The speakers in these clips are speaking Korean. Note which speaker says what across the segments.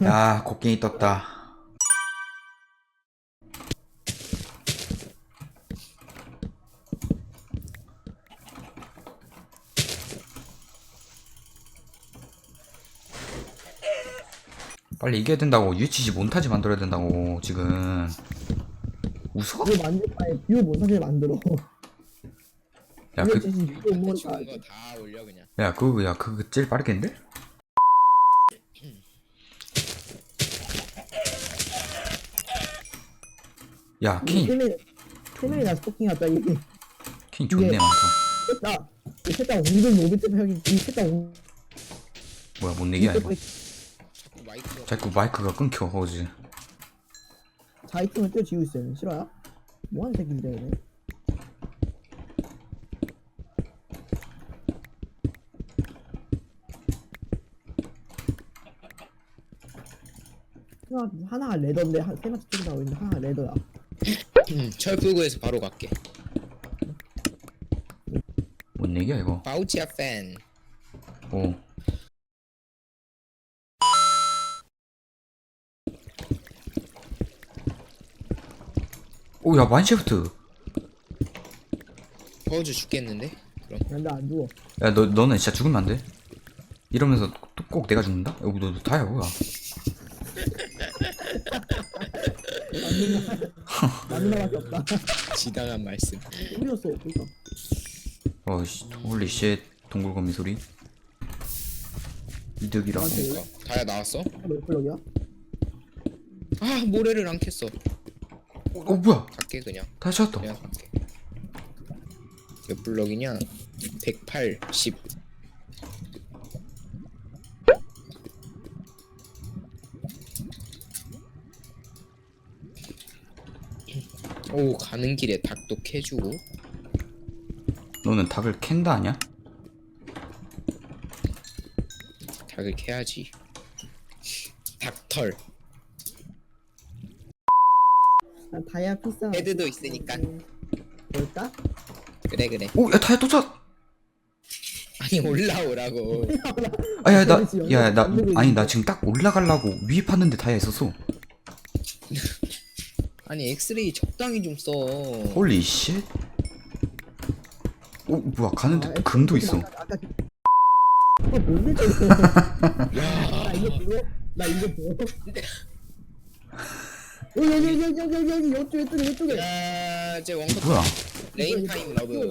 Speaker 1: 야, 곡괭이 떴다. 빨리 이겨야 된다고. UHC 몬타지 만들어야 된다고 지금. 웃어?
Speaker 2: 뷰 만들 아니 뷰 몬타지 만들어.
Speaker 1: 야, 그,
Speaker 2: 뷰 몬타지.
Speaker 3: 좋은 거 다 올려 그냥.
Speaker 1: 그거 제일 빠르겠는데? 야, 킹
Speaker 2: 세명이나 스토킹 왔다 이게.
Speaker 1: 존내
Speaker 2: 이게-
Speaker 1: 많다.
Speaker 2: 셋다 웅근 노비트 형이 셋다 웅.
Speaker 1: 뭐야, 못 내기야 이거.
Speaker 3: 자꾸 마이크가
Speaker 1: 자꾸 마이크가 끊겨 어지.
Speaker 2: 자이팀을 뛰어지고 있어요. 싫어요? 뭐하는 새끼인데 얘네. 하나가 레더인데 세 마치 쪽이 나오고 있는데 하나가 레더야.
Speaker 3: 철불구에서 바로 갈게.
Speaker 1: 못 내기야 이거.
Speaker 3: 바우치아 팬.
Speaker 1: 오. 오, 야, 마인시프트.
Speaker 3: 버즈 죽겠는데? 그럼
Speaker 2: 근데 안 죽어.
Speaker 1: 야, 너는 진짜 죽으면 안 돼. 이러면서 또 꼭 내가 죽는다? 여기 너 다야 뭐야?
Speaker 2: 맞는 말밖에 없다.
Speaker 3: 지당한 말씀.
Speaker 2: 우리였어. 그러니까.
Speaker 1: 어이씨, 홀리 쉣. 동굴거미 소리. 이득이라고.
Speaker 2: 나한테
Speaker 3: 그러니까 다야 나왔어?
Speaker 2: 몇 블럭이야?
Speaker 3: 아 모래를 안 캤어.
Speaker 1: 뭐야?
Speaker 3: 갈게 그냥.
Speaker 1: 다시 찾았다.
Speaker 3: 그냥 갈게. 몇 블럭이냐? 180. 오 가는 길에 닭도 캐주고.
Speaker 1: 너는 닭을 캔다 아냐?
Speaker 3: 닭을 캐야지. 닭털.
Speaker 2: 난 다이아 피스.
Speaker 3: 헤드도 있으니까.
Speaker 2: 뭘까?
Speaker 3: 그래 그래.
Speaker 1: 오, 야, 다야 또 찾.
Speaker 3: 아니 올라오라고.
Speaker 1: 아, 야, 아니, 나 지금 딱 올라가려고 위에 팠는데 다야 있었어.
Speaker 3: 아니 엑스레이 적당히 좀 써.
Speaker 1: 홀리 쉣. 오, 뭐야, 가는데
Speaker 2: 아,
Speaker 1: 금도 있어.
Speaker 2: 아까 뭔데 저거? 나 이거 보여? 나 이거 보여? 여기 이쪽에.
Speaker 3: 야, 제 원컷
Speaker 1: 뭐야?
Speaker 3: 레인 타임 러브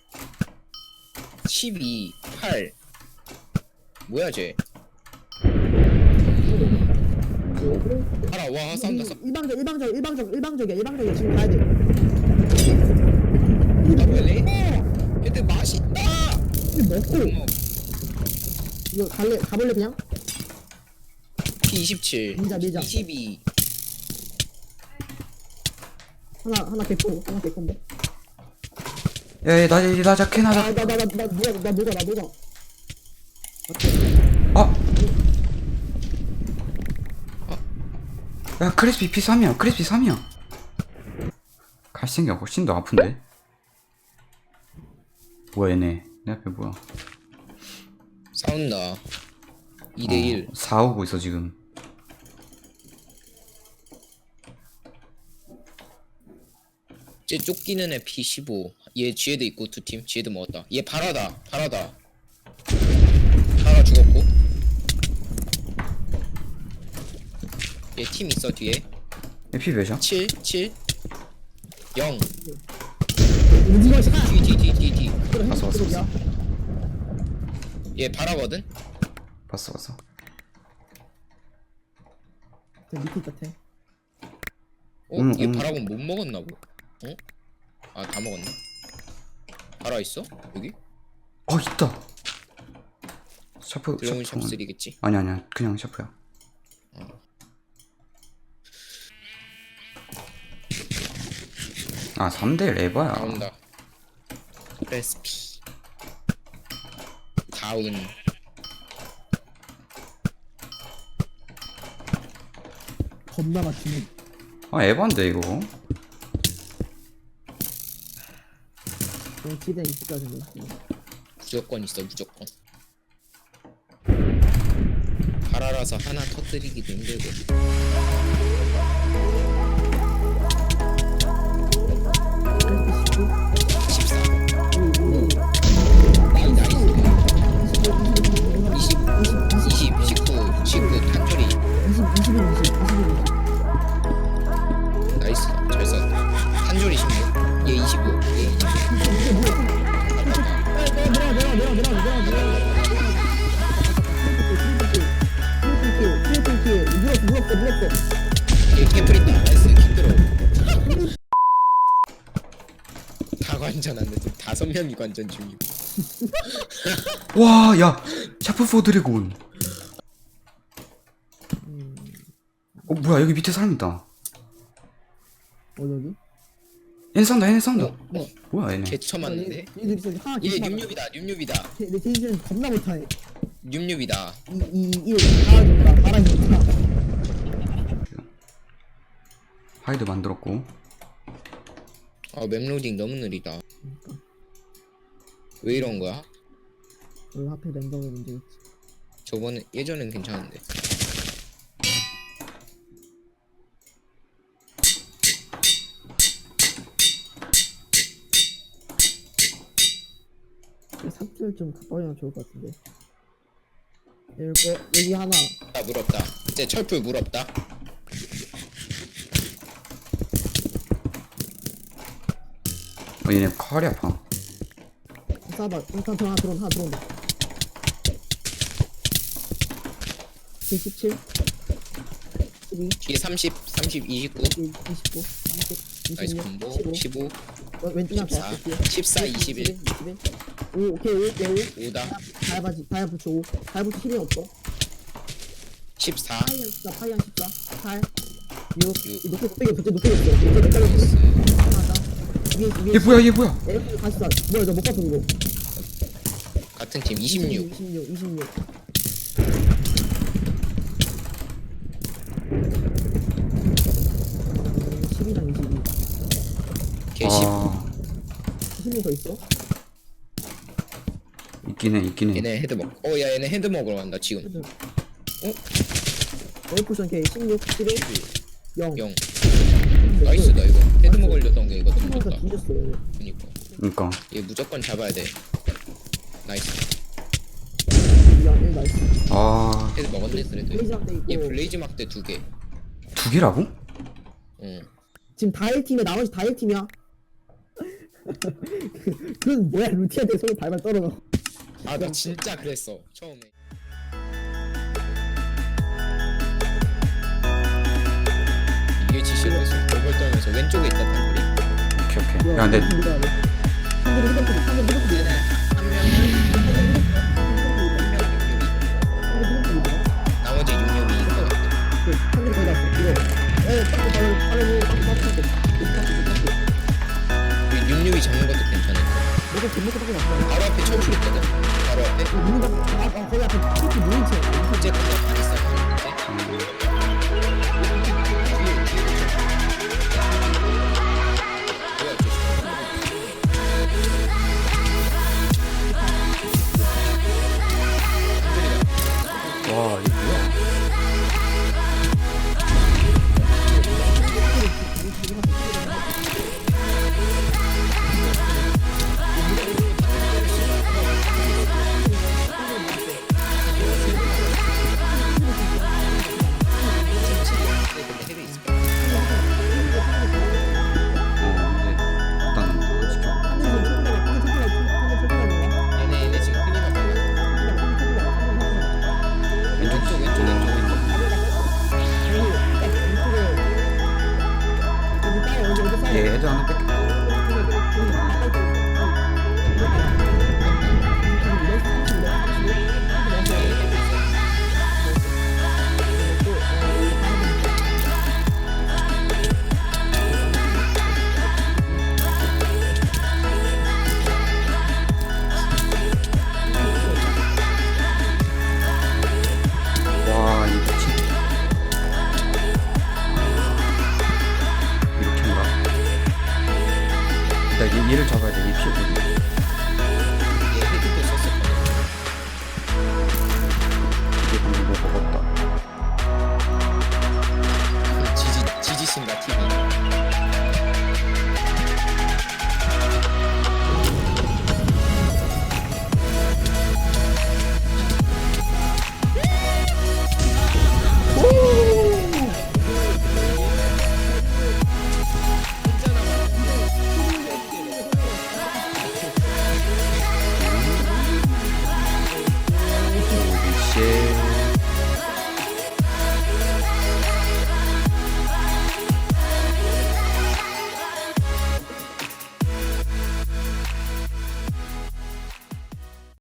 Speaker 3: 12 8 뭐야 쟤? 알아 와 싸운다 싸.
Speaker 2: 일방적이야 지금 가야 돼.
Speaker 3: 아 뭐야 레인? 얘들 맛있다.
Speaker 2: 이거 먹고
Speaker 3: 어머,
Speaker 2: 이거 가볼래 그냥?
Speaker 3: P27
Speaker 2: 밀자.
Speaker 3: 22
Speaker 2: 하나 개콘데.
Speaker 1: 야, 나 자켓 하자.
Speaker 2: 나 녹아.
Speaker 1: 아! 야, 크리스피 P3이야. 크리스피 3이야. 갈색이 훨씬 더 아픈데? 뭐야, 얘네. 내 앞에 뭐야.
Speaker 3: 싸운다 2대1
Speaker 1: 싸우고 있어, 지금.
Speaker 3: 쟤 쫓기는 애 P15 얘 지혜도 있고 두 팀 지혜도 먹었다 얘 바라다 바라 죽었고 얘 팀 있어 뒤에
Speaker 1: 얘 피 몇이야?
Speaker 3: 7 7 0
Speaker 2: 오징어 샷.
Speaker 3: 뒤
Speaker 1: 왔어.
Speaker 3: 얘 바라거든?
Speaker 1: 봤어.
Speaker 2: 저 밑에 있다 태.
Speaker 3: 어? 얘 바라곤 못 먹었나 보 어? 아 다 먹었나? 바라 있어? 여기?
Speaker 1: 있다. 샤프,
Speaker 3: 드래곤
Speaker 1: 샤프.
Speaker 3: 샵3겠지?
Speaker 1: 아니야. 그냥 샤프야. 아, 3대 레바야.
Speaker 3: 나온다 레시피 다운
Speaker 2: 겁나 맞추네.
Speaker 1: 아, 에반데, 이거.
Speaker 2: 그냥 기대 있을 것 같은데.
Speaker 3: 무조건 있어 무조건 바라라 와서 하나 터뜨리기도 힘들고. 탄조리.
Speaker 2: 20, 21, 20, 21, 20.
Speaker 3: 나이스. 잘 쐈다. 탄조리 16. 얘 25. 얘 25.
Speaker 2: 물었어.
Speaker 3: 얘 캠플 있다. 나이스. 힘들어. 다 관전 안 됐어. 5명이 관전 중이고.
Speaker 1: 와, 야, 샤프 4 드래곤. 뭐야, 여기 밑에 사람 있다.
Speaker 2: 여기?
Speaker 1: 얘네 싸운다, 얘네 싸운다.
Speaker 2: 뭐?
Speaker 1: 뭐야, 얘네.
Speaker 3: 개처 맞는데?
Speaker 2: 얘들 있어. 하나
Speaker 3: 얘
Speaker 2: 개수만
Speaker 3: 뉴뉴비다. 뉴뉴비다.
Speaker 2: 내 제이슨 겁나 못하네.
Speaker 3: 뉴뉴비다.
Speaker 2: 이 달아준다.
Speaker 1: 하이드 만들었고.
Speaker 3: 맵로딩 너무 느리다. 왜 이런 거야?
Speaker 2: 왜 하필 랜덤의 문제겠지.
Speaker 3: 저번에 예전엔 괜찮은데.
Speaker 2: 삽질 좀 가까이면 좋을 것 같은데. 여기 하나.
Speaker 3: 물 없다. 이제 철풀 물 없다.
Speaker 1: 얘네 칼이 아파.
Speaker 2: 싸봐. 일단 하나 들어온다. 17, 12,
Speaker 3: 뒤에 30, 29.
Speaker 2: 29, 30,
Speaker 3: 나이스
Speaker 2: 26,
Speaker 3: 콤보.
Speaker 2: 15.
Speaker 3: 15,
Speaker 2: 왼쪽 나
Speaker 3: 14, 14, 21.
Speaker 2: 5, 오케이 5,
Speaker 3: 5다.
Speaker 2: 다야 붙여 5. 다야 붙여 힘이 없어.
Speaker 3: 14.
Speaker 2: 파이랑 14, 8, 6.
Speaker 3: 육.
Speaker 2: 높게 붙여. 하나다.
Speaker 1: 얘 뭐야, 얘 뭐야.
Speaker 2: 에어컨 다시 쏴. 뭐야 저못 봤어 그거.
Speaker 3: 같은 팀 26.
Speaker 2: 26. 음, 12랑 22.
Speaker 3: 개 10.
Speaker 1: 아,
Speaker 2: 10명 더 있어?
Speaker 1: 있긴 해.
Speaker 3: 얘네 헤드 먹. 야 얘네 헤드 먹으러 간다 지금.
Speaker 2: 에어쿠션 K 16, 11, 0.
Speaker 3: 0. 나이스다 이거. 헤드 먹으려던 게 이거
Speaker 2: 가
Speaker 3: tum졌다.
Speaker 2: 뒤졌어 얘네.
Speaker 3: 그니까.
Speaker 1: 그니까.
Speaker 3: 얘 무조건 잡아야 돼. 나이스.
Speaker 2: 야, 얘 나이스.
Speaker 1: 아,
Speaker 3: 헤드 먹었네 그래도.
Speaker 2: 블레이즈 막대 있고.
Speaker 3: 얘 블레이즈 막대 2개.
Speaker 1: 2개라고?
Speaker 3: 응.
Speaker 2: 지금 다 1팀이야. 나머지 다 1팀이야. 그건 뭐야 루티한테 손을 발발 떨어져.
Speaker 3: 아 나 진짜 그랬어 처음에. 이게 지시로서 돌벌 떨면서 왼쪽에 있다 탄불이.
Speaker 1: 오케이. 야, 근데
Speaker 2: 한대로 휴대폰.
Speaker 3: 나머지 66인 것 같아.
Speaker 2: 한대로 거의 다 왔어. 이거.
Speaker 3: 우리 66이 잡는 것도 괜찮아.
Speaker 2: 내가 전부터 밖에 났어.
Speaker 3: 바로 앞에 철출 있거든. 바로 앞에.
Speaker 2: 거기 앞에